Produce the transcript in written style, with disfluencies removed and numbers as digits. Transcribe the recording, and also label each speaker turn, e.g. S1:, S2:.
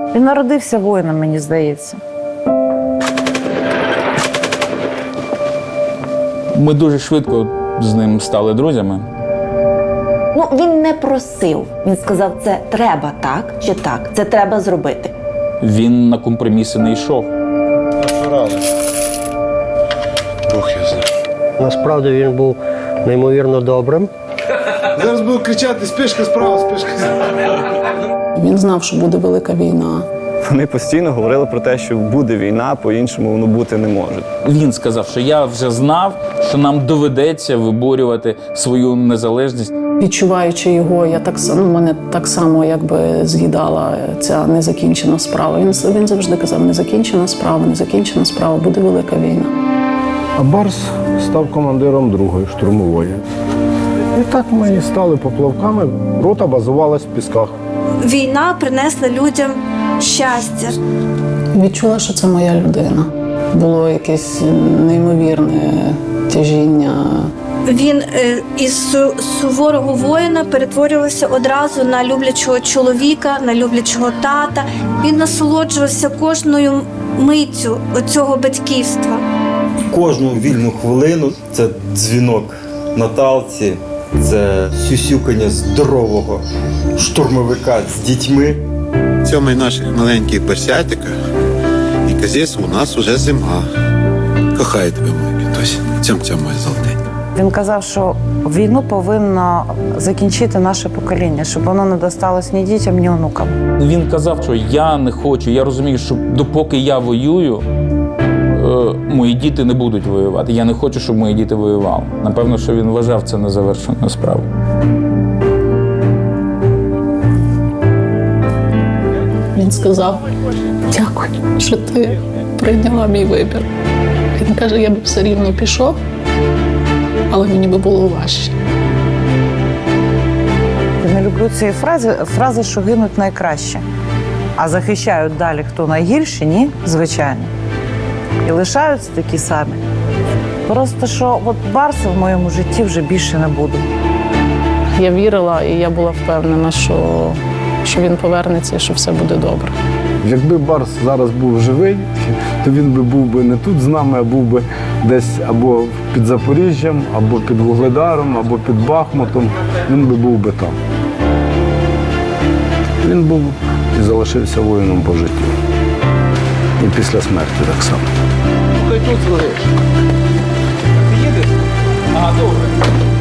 S1: Він народився воїном, мені здається.
S2: Ми дуже швидко з ним стали друзями.
S3: Ну, він не просив. Він сказав, це треба так чи так, це треба зробити.
S2: Він на компроміси не йшов.
S4: Бог я знаю.
S5: Насправді він був неймовірно добрим.
S4: Зараз буду кричати: спішка справа, спішка справа.
S6: Він знав, що буде велика війна.
S7: Вони постійно говорили про те, що буде війна, по-іншому воно бути не може.
S2: Він сказав, що я вже знав, що нам доведеться виборювати свою незалежність.
S6: Відчуваючи його, мене так само якби з'їдала ця незакінчена справа. Він завжди казав, незакінчена справа, буде велика війна.
S8: А Барс став командиром другої штурмової. І так ми і стали поплавками. Рота базувалась в Пісках.
S9: Війна принесла людям щастя.
S6: Відчула, що це моя людина. Було якесь неймовірне тяжіння.
S9: Він із суворого воїна перетворювався одразу на люблячого чоловіка, на люблячого тата. Він насолоджувався кожною миттю цього батьківства.
S10: Кожну вільну хвилину це дзвінок Наталці, це сюсюкання здорового штурмовика з дітьми.
S4: Цьомай наших маленьких персятиках і казись, у нас уже зима. Кохаю тебе, мой кітось. Цьом-цьом, мой золотий.
S1: Він казав, що війну повинно закінчити наше покоління, щоб воно не досталось ні дітям, ні онукам.
S2: Він казав, що я не хочу, я розумію, що допоки я воюю, мої діти не будуть воювати. Я не хочу, щоб мої діти воювали. Напевно, що він вважав це незавершеною справою.
S6: Він сказав, дякую, що ти прийняла мій вибір. Він каже, я б все рівно пішов, але мені би було важче.
S1: Я не люблю цієї фрази, що гинуть найкраще. А захищають далі хто найгірші, ні, звичайно. І лишаються такі самі. Просто що от Барса в моєму житті вже більше не буде.
S6: Я вірила і я була впевнена, що він повернеться і що все буде добре.
S8: Якби Барс зараз був живий, то він би був би не тут з нами, а був би десь або під Запоріжжям, або під Вугледаром, або під Бахмутом. Він би був би там. Він був і залишився воїном по життю. І після смерті так само.
S2: Ти їдеш? Ага, добре.